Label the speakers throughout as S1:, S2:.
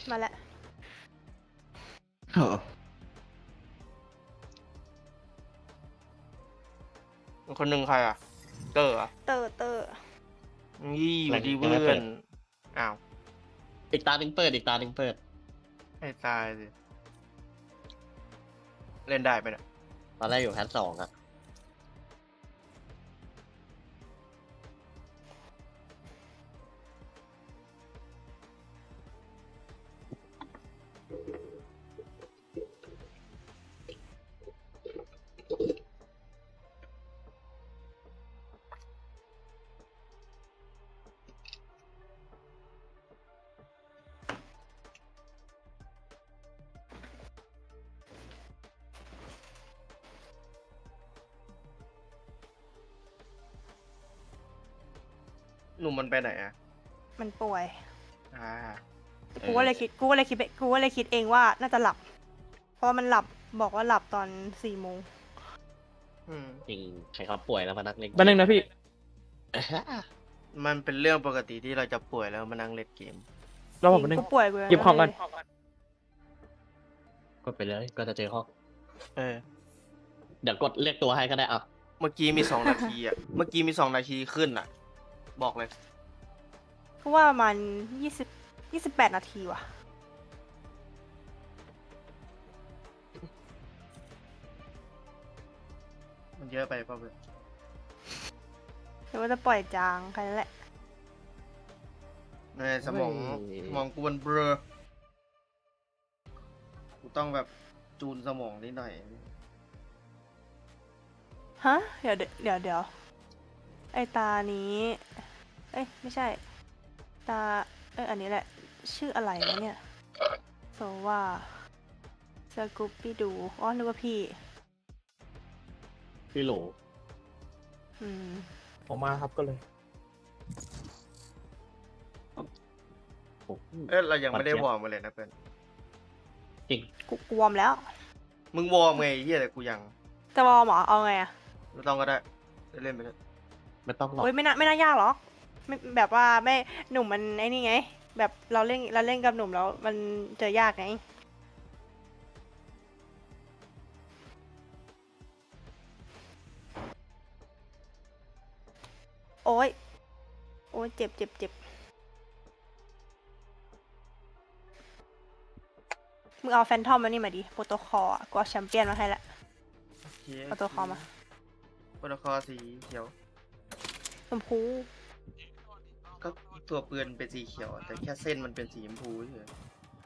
S1: มาแล้ว
S2: คนหนึ่งใครอ่ะเตอร์อ่ะ
S1: เตอร์
S2: ยี่อยู่ดี
S3: ยั
S2: เพื่
S3: งไม่เปิ
S2: อน
S3: ด
S2: อ้าว
S3: อีกตาหนึ่งเปิดอีกตาหนึ่งเปิด
S2: ให้ตายสิเล่นได้ไหมเนี่ย
S3: ตอนแรกอยู่แพท2อะ
S2: หนุ่มมันไปไหนอ่ะ
S1: มันป่วย
S2: อ่า
S1: กูก็เลยคิดเองว่าน่าจะหลับ เพราะว่ามันหลับบอกว่าหลับตอน4 โมง
S3: จริงใครเขาป่วยแล้วมานักเล่น
S4: แป๊บนึงนะพี่
S2: มันเป็นเรื่องปกติที่เราจะป่วยแล้วมานั่งเล่นเกม
S4: รอผมแป๊บนึง
S1: กูป่วยกู
S4: หยิบของก่อน
S3: กดไปเลยก็จะเจอห้อง
S2: เออ
S3: เดี๋ยวกดเรียกตัวให้ก็ได้อ่ะ
S2: เมื่อกี้มี2 นาทีอ่ะ เมื่อกี้มี2 นาทีขึ้นอ่ะ บอกเลย
S1: กูว่าประมาณ28 นาทีว่ะ
S2: มันเยอะไปเปล่าเพื่อน
S1: หรือว่าจะปล่อยจางแค่นั้นแหละ
S2: ในสมองกูมันเบลอกูต้องแบบจูนสมองนิดหน่อย
S1: ฮะ เดี๋ยว ไอตานี้ เอ้ย ไม่ใช่ ตา อันนี้แหละ ชื่ออะไรวะเนี่ยโซว่าสกูปปี้ดูอ๋อนึกว่าพี่
S3: พี่หลง
S1: อืม
S4: ผมมาครับก็เลย
S3: โอ้โห
S2: เรายังไม่ได้วอร์มมาเลยนะเพื่อน
S3: จริง
S1: กูวอร์มแล้ว
S2: มึงวอร์มไงเฮียแต่กูยัง
S1: จะวอร์มเหรอ เอาไงอะ
S2: ไม่ต้องก็ได้เล่นไปเลย
S3: ไม่ต้องหรอก
S1: โอ้ยไม่น่ายากหรอกไม่แบบว่าไม่หนุ่มมันไอ้นี่ไง แบบเราเล่นกับหนุ่มแล้วมันเจอยากไง โอ้ยเจ็บมึงเอาแฟนทอมมานี่มาดิโปรโตคอลอะกูเอาแชมเปี้ยนมาให้ละเอาตัวคอมา
S2: โปรโตคอลสีเขียว
S1: ชมพู
S2: ก็ตัวปืนเป็นสีเขียว แต่แค่เส้นมันเป็นสีชมพูเฉย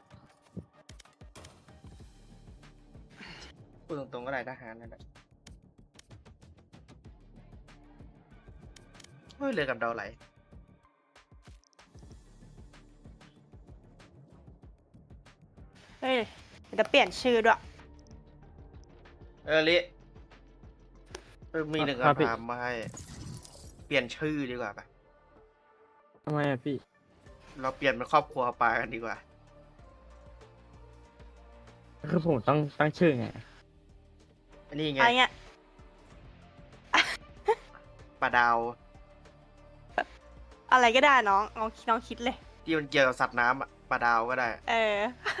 S2: พูดตรงๆก็ได้ทหารนั่นแหละเฮ้ยเลยกับดาวไหล
S1: เฮ้ยจะเปลี่ยนชื่อด้วย
S2: ลิมีหนึ่ง
S4: ครับพี่
S2: คำถามมาให้ เปลี่ยนชื่อดีกว่าปะ
S4: ทำไมอะพี่
S2: เราเปลี่ยนเป็นครอบครัวปลากันดีกว่า
S4: คือผมต้องตั้งชื่อไง
S2: อันนี้ไง
S1: อะไรเงี้ย
S2: ปลาดาว
S1: อะไรก็ได้น้องคิดเลย
S2: ที่มันเกี่ยวกับสัตว์น้ำอะปลาดาวก็ได้
S1: เออ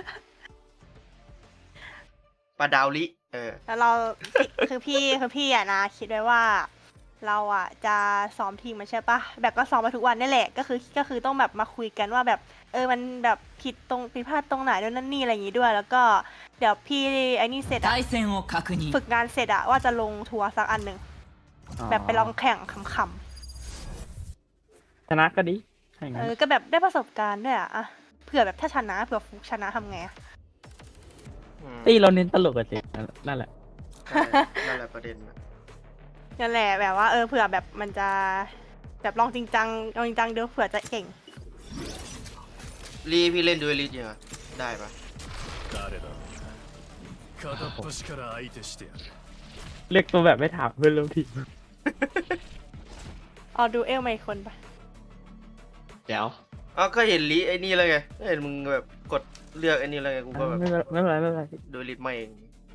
S2: ปลาดาวลิ
S1: แล้วเรา คือพี่อะนะคิดไว้ว่า เราอะจะซ้อมทีมมันใช่ปะแบบก็ซ้อมมาทุกวันนี่แหละก็คือต้องแบบมาคุยกันว่าแบบมันแบบผิดพลาดตรงไหนด้วยนั่นนี่อะไรอย่างงี้ด้วย แล้วก็เดี๋ยวพี่ไอ้นี่เสร็จอะ
S5: 対戦を確認
S1: ฝึกงานเสร็จอะว่าจะลงทัวร์สักอันหนึ่งแบบไปลองแข่งขำ
S4: ชนะก็ดีถ้าอย่าง
S1: ๆ
S4: นั้น
S1: ก็แบบได้ประสบการณ์ด้วยอะเผื่อแบบถ้าชนะเผื่อฟุกชนะทำไงอะ
S4: ตีเราเน้นตลกกันสินั่นแหละ
S2: นั่นแหละประเด็นนะ
S1: นั่นแหละแบบว่าเผื่อแบบมันจะแบบลองจริงจังเดี๋ยวเผื่อจะเก่ง
S2: ลีพี่เล่นดูเอลิสยังไงได้ปะ
S6: 誰だ片っ端から相手してやる
S4: เรียกตัวแบบไม่ถามเพื่อนร่วมทีม
S1: เอาดูเอลมาอีกคนปะ
S3: เดี๋ยว
S2: อ๋อก็เห็นลีไอ้นี่แล้วไงเห็นมึงแบบกดเลือกไอ้นี่แล้วไงกูก็แบบ
S4: ไม่เป็นไร
S2: ดูเอลิสมาเอง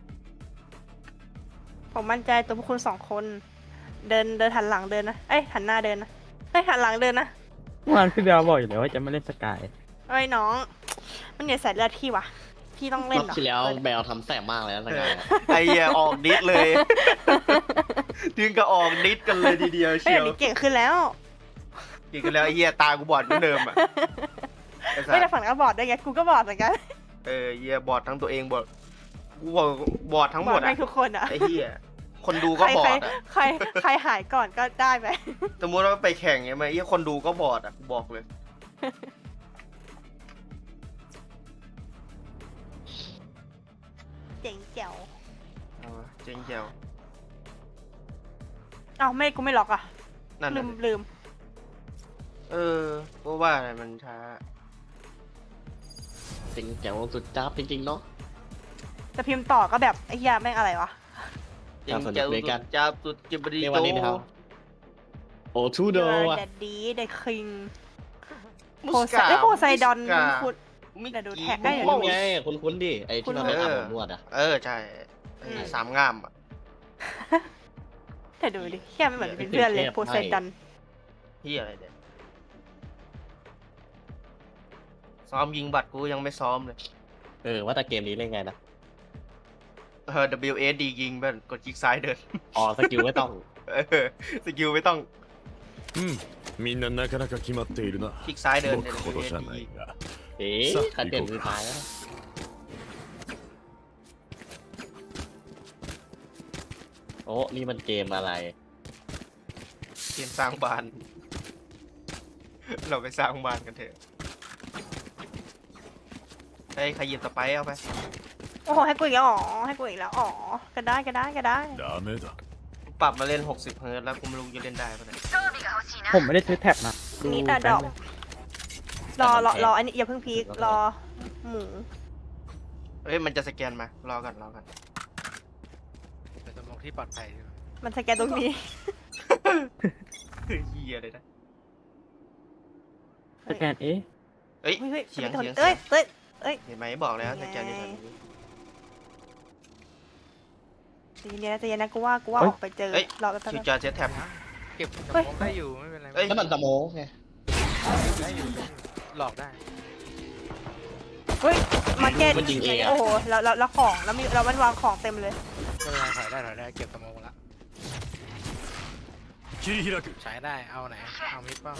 S1: ผมมั่นใจตัวพวกคุณ2 คน เดินหันหลังเดินนะหันหน้าเดินนะหันหลังเดินนะ
S4: เมื่อวานพี่เบลบอกอยู่แล้วว่าจะไม่เล่นสกาย
S1: น้องมันเหนียวสายเลือดพี่วะพี่ต้องเล่น
S3: รอบ
S1: เหรอ
S3: ที่แล้วแบลทำแสบมากเลยนะสกาย
S2: ไอ้เหี้ยออกดิสเลย ถึงกับออกดิสกันเลยทีเดียว
S1: เฮ้ย
S2: เชียว
S1: เดี๋ยวนี้เก่งขึ้นแล้ว
S2: กินกันแล้วไอ้เหี้ยตากูบอดเหมือนเดิมอ่ะไอ้สั
S1: ไม่แต่
S2: ส
S1: ฝั่งนั้นก็บอดได้วยไงกูก็บอดเหมือนกัน
S2: เหี้ยบอดทั้งตัวเองบอดกูบอดทั้งห
S1: บ
S2: ม
S1: อ
S2: ด
S1: ดไป
S2: อ่ะ
S1: ทุกคนอ่ะ
S2: ไอ้เหี้ยคนดูก็บอดอ่ะ
S1: ใครหายก่อนก็ได้ไป
S2: สมมติว่าไปแข่งไงไหมไอ้เหี้ยคนดูก็บอดอ่ะกูบอกเลย
S1: เจ๋งแจ๋ว
S2: เอาวะเจ๊งแจ๋ว
S1: เอ้าไม่กูไม่ล็อกอ่ะ
S2: นั่น
S1: ลื
S2: น่ะ
S1: ม
S2: ดิ
S1: ลืม
S2: ก็ว่าอะไรมันช้า
S3: จริงแจ๋วสุดจ้าบจริงๆเนาะ
S1: แต่พิมพ์ต่อก็แบบไอ้เหี้ยแม่งอะไรวะ
S2: เจ๊งแจ๋ว
S3: สนุกด้วยกัน
S2: สุดจ้าบสุดจิบรี
S3: ใน
S2: โต
S3: วันนี้นะครับโอ้ทูโด
S1: You
S3: อ่ะ
S1: are Daddy the King
S2: มุ
S1: โพ
S2: ส
S1: ไซ
S2: กา
S1: โพไซดอน
S2: มุสกา
S1: คุณ
S2: มิ
S1: เดี๋ยวดู
S2: กี้
S1: แท็กได้เดี๋ยว
S3: คุ้
S1: ดู
S3: นไงคุ้นๆดิไอ้ที่เราไปอาบอบนวดอ่ะ
S2: ใช่ไอ้สามงามอ่ะ
S1: แต่ดูดิเหี้ยไม่เหมือนเป็นเพื่อนเลยโพไซดอน
S2: ที่อะไรเนี่ยซ้อมยิงบัตรกูยังไม่ซ้อมเลย
S3: ว่าแต่เกมนี้เล่นไงนะ
S2: WSD ยิงเพื่อนกดคลิกซ้ายเดิน
S3: อ๋อสกิลไม่ต้อง
S2: สกิลไม่ต้อง
S6: うんみんななかなか決まっているな
S2: คลิกซ้ายเดิน
S6: 僕ほどじゃない
S2: WSD
S6: が
S3: เอ๊ะขัดเด่นสุดท้ายแล้วโอ้นี่มันเกมอะไร
S2: เกมสร้างบ้าน เราไปสร้างบ้านกันเถอะไอ้ใครหยิบสไปร์เอาไป
S1: โอ้โหให้กูอีกแล้วอ๋อให้กูอีกแล้วอ๋อก็ได้ก็ได้ก็ได้
S6: ダメだ
S2: ปรับมาเล่น60 เฮิร์ตซ์แล้วกูไม่รู้จะเล่นได้ปะเนี่ย
S4: ผมไม่ได้ซื้อแท็บนะดู
S1: นี่แต่ดอก
S4: แป๊บนึง
S1: รออันนี้อย่าเพิ่งพีครอหมู
S2: เฮ้ยมันจะสแกนมารอกัน
S5: เป็นสมองที่ปลอดภัยใช่ไหม
S1: มันสแกนตรงนี้
S2: เฮียเลยนะ
S4: สแกนเอ๊ะ
S2: เอ้ย
S1: เฮ้ย
S2: เสียง
S1: เอ้ยเอ้ย
S2: เห็นไหมบอกแล้วสแกนอยู่แถวนี้
S1: ใจเย็นนะกูว่าออกไปเจอ
S2: เอ้ย
S1: รอไปแป๊บ
S2: ชู
S1: นึง
S2: จอเซตแท็บ
S5: เก็บสม
S1: เฮ้ย
S5: องได้อยู่ไม่เป็นไร
S2: เอ้ย
S3: แล้วมันสโมกไง
S5: ได้อยู่หลอกได้
S1: เฮ้ยมาเก็ต
S3: มันยิงเองอะ
S1: โอ้โหแล้วของแล้วมีเรามันวางของเต็มเลย
S5: ไม่เป็นไรถอยได้เก็บสมองละ
S6: 切り開く
S5: ใช้ได้เอาไหนเอามิดเปล่า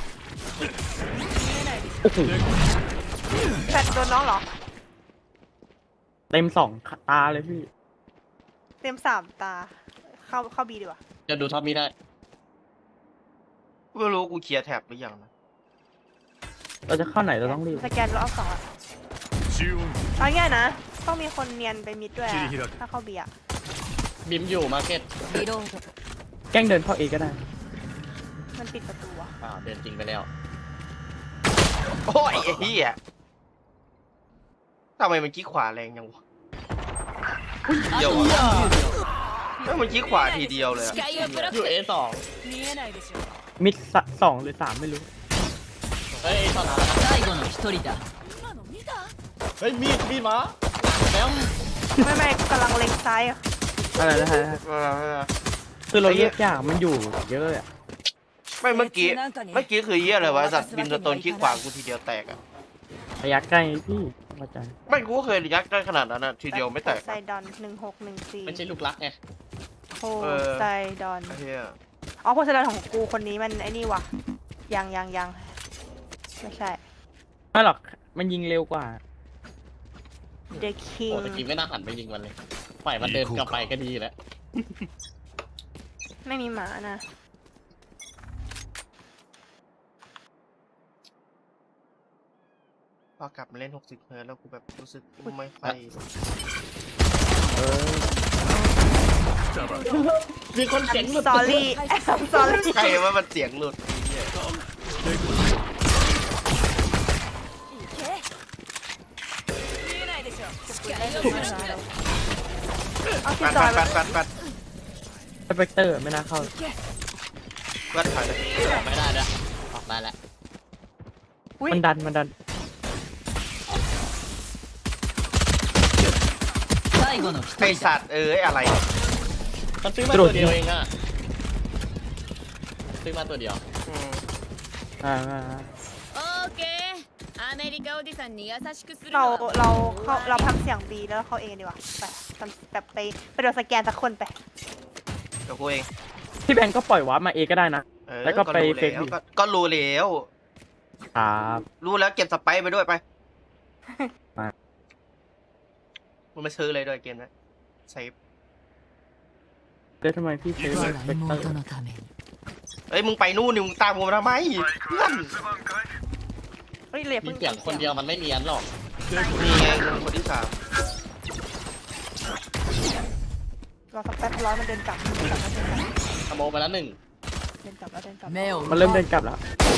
S4: โอ้โห
S1: แฟนโดนน้องเหรอ
S4: เต็ม2 ตาเลยพี่
S1: เต็ม3 ตา เข้าบีดีกว่า
S3: จะดูท็อปนี้ได้
S2: ไม่รู้กูเคลียร์แท็บหรือยังนะ
S4: เราจะเข้าไหนเราต้องรีบ
S1: สแกนรอบ2อ่ะ
S6: 中音
S1: เอาง่ายๆนะ ต้องมีคนเนียนไปมิดด้วยอะ
S6: 切り開く
S1: ถ้าเข้าบีอ่ะ
S3: บิมอยู่มาร์เก็ต
S4: แกล้งเดินเข้าเอก็ได้
S1: มันปิดประตูอ่ะ
S3: เดินจริงไปแล้ว
S2: โอ้ยไอ้เหี้ยทำไมมันขี้ขวาแรงยังวะเดี๋ยวอะไม่มันขี้ขวาทีเดียวเลยอะ
S3: อยู่ A2
S4: มิด2 หรือ 3 ไม่รู้
S3: เฮ้ยตอนนั้นเฮ้ยมีดมาแล้ว
S1: ไม่กำลังเล็งซ้ายอะ
S4: อะไรนะฮะคือเราเรียกยากมันอยู่เยอะอะ
S2: ไม่เมื่อกี้คือเหี้ยอะไรวะสัตว์บินสโตนขี้ขวากูทีเดียวแตกอะ
S4: ระยะใกล้พี่เข้าใจ
S2: ไม่กูก็เคยยักได้ขนาดนั้นนะทีเดียวไม่แตก
S1: ไซดอน1614
S3: ไม่ใช่ลูกรักไง
S1: โพไซดอน
S2: ไอ้เหี้ย
S1: อ๋อโพไซดอนของกูคนนี้มันไอ้นี่ว่ะยังไม่ใช่
S4: ไม่หรอกมันยิงเร็วกว่า
S1: The
S3: โอ้
S1: King
S3: ตะกี้ไม่น่าหันไปยิงมันเลยปล่อยมันเดินกลับไปก็ดีแล้ว
S1: ไม่มีหมานะ
S2: พอกลับมาเล่น60 เฮิร์ตซ์แล้วกูแบบรู้สึกไม่ค่อย
S3: มีคนเสียงหลุด
S1: สอรี่สอรี่
S2: ใครว่ามันเสียงหลุดไอ้เหี้ย
S1: เอาที่
S2: ปัด
S1: จอย
S2: ปัดปัดปัด
S4: สเปกเตอร์ไม่น่าเข้า
S2: ปัดถอยเลย
S3: ออกไม่ได้แล้วออกได้แล้ว
S1: อุ๊ย
S4: มันดัน
S2: ไอสัตว์อะไร
S3: มันซื้อมาตัวเดียวเองอะซื้อมาตัวเดียว
S2: อืม
S4: อ่า
S7: オーケーあアメリカおじさんに優しくする
S1: เรา
S7: のは
S1: เราทำเสียงบีแล้วเข้าเองดีกว่าไปทำแบบไปโดนสแกนสักคนไป
S2: เดี๋ยวกูเอง
S4: พี่แบงก์ก็ปล่อยวาร์ปมาเอก็ได้นะ
S2: เออ
S4: แล้วก็ไป
S2: รู้
S4: เฟก
S2: แล้ว
S4: ดิ
S2: ก็รู้แล้ว
S4: ครับ
S2: รู้แล้วเก็บสไปซ์ไปด้วยไป
S4: มา
S2: มึงไม่ซื้อเลยด้วยเกมนะเซฟ
S4: แล้วทำไมพี่เซฟ
S6: 我
S4: เฟกเตอร์
S7: のために
S2: เอ้ยมึงไปนู่นนี่มึงตามกูมาทำไมเพื่อน
S1: เฮ้ยเลย
S3: มี
S1: เพิ่ง
S3: เสียงคนเดียวมันไม่เนียนหรอก
S2: นี่ไงมึงคนที่สาม
S1: รอสักแป๊บร้อยมันเดินกลับมันเดินกลับมันเดินกลับ
S3: ขโมยไปแล้วหนึ่ง
S1: เดินกลับแล้วเดินกลับ
S4: มันเริ่มเดินกลับแล้ว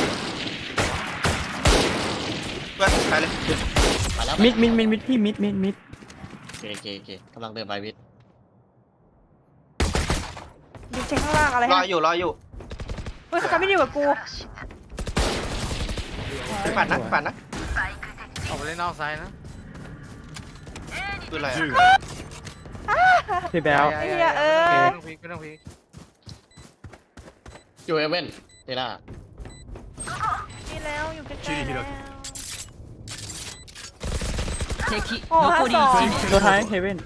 S2: เพื่อนไปเลย
S3: มาแล้ว
S4: มิดพี่มิด
S3: โอเคกำลังเดินไปวิทย์
S1: ดิเช็คข้างล่างอะไร
S2: รอ
S1: ฮะ
S2: อยู่รออยู่
S1: เฮ้ยสกายไม่ดีกว่ากู
S2: ไปปั่นนะปั่นนะ
S5: ออกไปเล่นนอกไซด์นะ
S2: คืออะไรอะ
S4: พี่แบล
S1: ไอ้เหี้ย
S5: ไม่ต้องพีกไม่ต้องพีก
S3: อยู่เอเว่นเดน่า
S1: นี่แล้วอยู่ใกล้ๆแล้ว
S7: 敵
S1: โอ้ห้าสอง
S4: ตัวท้ายเฮเว่น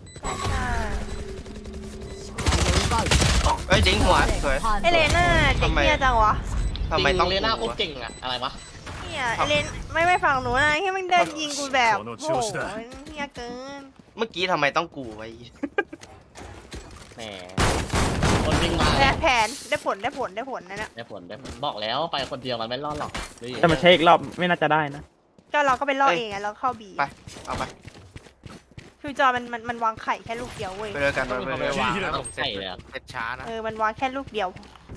S2: เอ้ยดิ้งหัวสวย
S1: เอเลน่าเด็กเหี้ยจังวะ
S2: ทำไมต้อง
S3: เลน่าโค
S2: กู
S3: ตร
S2: วะ
S3: เก่งอะอะไรวะ
S1: เนี่ยเอเลนไม่ฟังหนูนะแค่มันเดินยิงกูแบบโอ้โหเหี้ยเกิน
S2: เมื่อกี้ทำไมต้องกูไว้
S3: แหมคนวิ่งมา
S1: แผนได้ผลนะเนี่ย
S3: ได้ผลบอกแล้วไปคนเดียวมันไม่รอดหรอก
S4: แต่มาเช็คอีกรอบไม่น่าจะได้นะ
S1: ก็เราก็ไปล่อเองไงแล้วเข้าบี
S2: ไปเอาไป
S1: คือจอมันวางไข่แค่ลูกเดียวเว้ย
S2: ไปเลยกัน
S5: ต้อง
S2: ไป
S5: มีคน
S2: เล
S5: ไป
S2: ยว
S5: างนะผมเสร็จเสร็จช้านะ
S1: มันวางแค่ลูกเดียว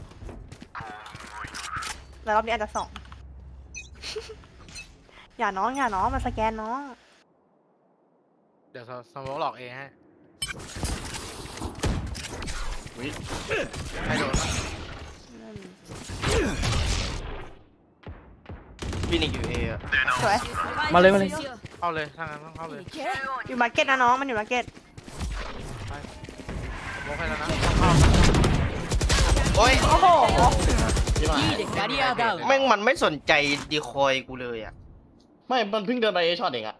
S1: แล้วรอบนี้อาจจะสอง อย่าน้องมาสแกนน้อง
S5: เดี๋ยวสมองหลอกเองฮะให้โดน
S2: ฟินิกอยู่เออะ
S1: สวย
S4: มาเลย
S5: เข้าเลยถ้างั้นต้องเข้าเลย
S1: อยู่มาร์เก็ตนะน้องมันอยู่มาร์เก็ต
S5: สมองให้แล้วนะต้องเข้า
S2: โอ้ย
S1: โอ้โห
S3: ที่มา
S7: いいでキャリアダウン
S2: แม่งมันไม่สนใจดีคอยกูเลยอ่ะ
S3: ไม่มันเพิ่งเดินไปเอช็อตเองอะ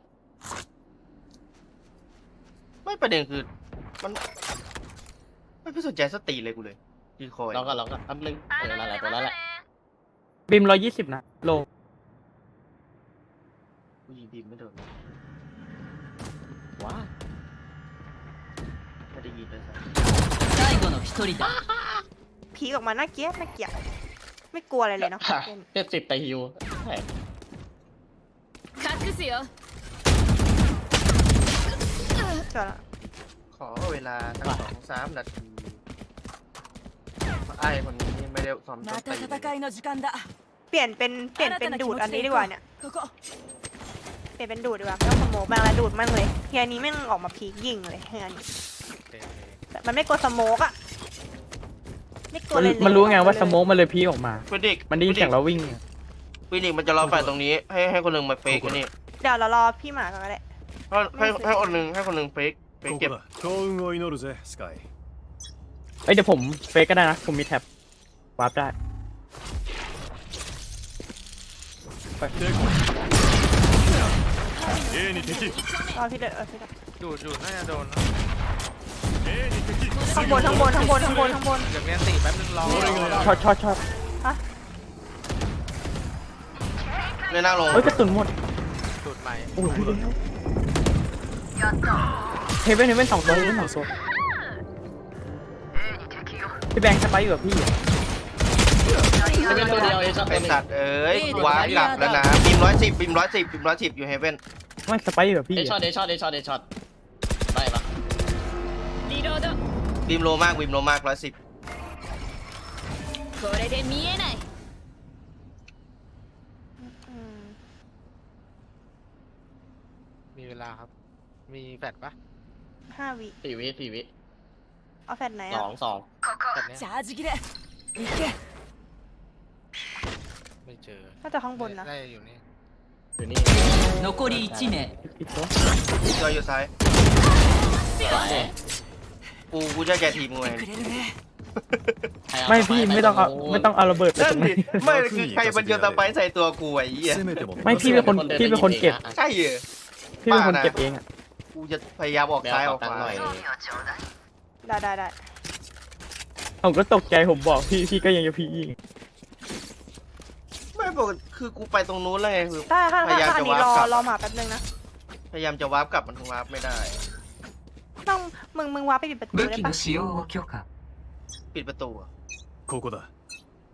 S2: ไม่ประเด็นคือมันไม่สนใจสติเลยกูเลยดีคอย
S3: เราก็แป๊บนึงนั่นแหละตัวนั้นแหละ
S4: บิม120นะโล
S2: กูยิงบีมไม่โดน
S3: ว้า
S2: ไม่ได้ยินเลยสัส
S7: 最後の一人だ
S1: ผีออกมาน่าเกลียดไม่กลัวอะไรเลยเนาะ
S3: 70แต่ฮิวใช่
S7: 隠すよ
S1: จอดละ
S2: ขอเวลาตั้ง2-3 นาทีไอ้คนนี้ไม่ได้ซ้อมต้นตีเลย
S7: いの時間だ
S1: เปลี่ยนเป็นดูดอันนี้ดีกว่าเนี่ยเปลี่ยนเป็นดูดดีกว่าไม่ต้องสโมกบางแล้วดูดมั่งเลยเฮียนี้แม่งออกมาพีกยิงเลยเฮียนี้แต่มันไม่กลัวสโมกอะไม่กลัวเลย
S4: มันรู้ไงว่าสโมกมันเลยพีออกมา
S2: ฟินิก
S4: มันได้ยินเสียงเราวิ่ง
S2: ฟินิกมันจะรอไฟตรงนี้ให้คนหนึ่งมาเฟกอันนี้
S1: เดี๋ยวเรารอพี่หมาก่อนก็ได้
S2: ให้คนหนึ่งเฟก
S6: ここ
S2: เก็บ
S6: だ幸運を祈るぜスカイ
S4: เอ้ยเดี๋ยวผมเฟกก็ได้นะผมมีแท็บวาร์ปได้
S6: A に敵
S1: รอพี่เดินพี่เดิน
S5: ดูดน่าจะโดน
S6: A に敵
S1: ข้างบน
S5: เดี๋ยวเรียนตีแป๊บนึงรอ
S4: ช็อต
S2: เลยหน้าลง
S4: เฮ้ยกระสุนหมด
S5: ดูดใหม่
S4: โอ้ยเฮเว่น2 ตัวเฮเว่น2 ตัวพี่แบงค์สไปอยู่กับพี่
S3: จะเป็นตัวเดียวเอช็อต
S2: ไอ
S3: ตัวหนึง
S2: สัตว์เอ้ยว้าหลับแล้วนะบีม110อยู่เฮเว่น
S4: ไม่สไปอยู่กับพี่
S3: เอช็อตได้ปะ
S7: リロード
S2: บีมโลมาก110
S7: これで見えない
S5: มีเวลาครับ มีแฟดปะ
S1: 5 วิ
S3: 4 วิ
S1: เอาแฟดไหนอะ
S3: 2
S5: แฟดเนี้ย
S7: チャージ切れ行け
S5: ไม่เจอ
S1: น่าจะข้างบนนะ
S5: ได้อยู่นี่
S3: อยู่นี่
S7: 残り1名
S4: อีกตัว
S2: จอยอยู่ซ้าย กูจะแกทีมกูเอง
S7: くれるね
S4: ไม่พี่ไม่ต้องเอาระเบิดไป
S2: นั่
S4: ต
S2: น
S4: รง
S2: ดิ
S4: นี้
S2: ไม่คือใครมันโยนตะไบใส่ตัวกูไอ้เหี้ย
S6: 攻めても
S4: ไม่พี่เป็นคนเก็บ
S2: ใช่เหรอ
S4: พี่เป็นคนเก็บเองอ่ะ
S2: กูจะพยายามออก
S3: แบล
S2: ซ้ายอ
S3: ข
S2: อ
S3: อก ตัง
S2: ข
S3: ค์หน่
S2: วา
S3: อย
S1: ได้
S4: ผมก็ตกใจผมบอกพี่ก็ยังจะพี่ยิง
S2: ไม่บอกคือกูไปตรงนู้นแล้วไงคือ
S1: ได้ค่ะ
S2: พยายาม
S1: อั
S2: จะ
S1: นนี้
S2: วาร์ปกลับ
S1: รอหมาแป๊บนึงนะ
S2: พยายามจะวาร์ปกลับมันวาร์ปไม่ได้
S1: ต้องมึงวาร์ปไปปิดประตูได้ปะ
S2: ปิดประตูอะ
S6: ここだ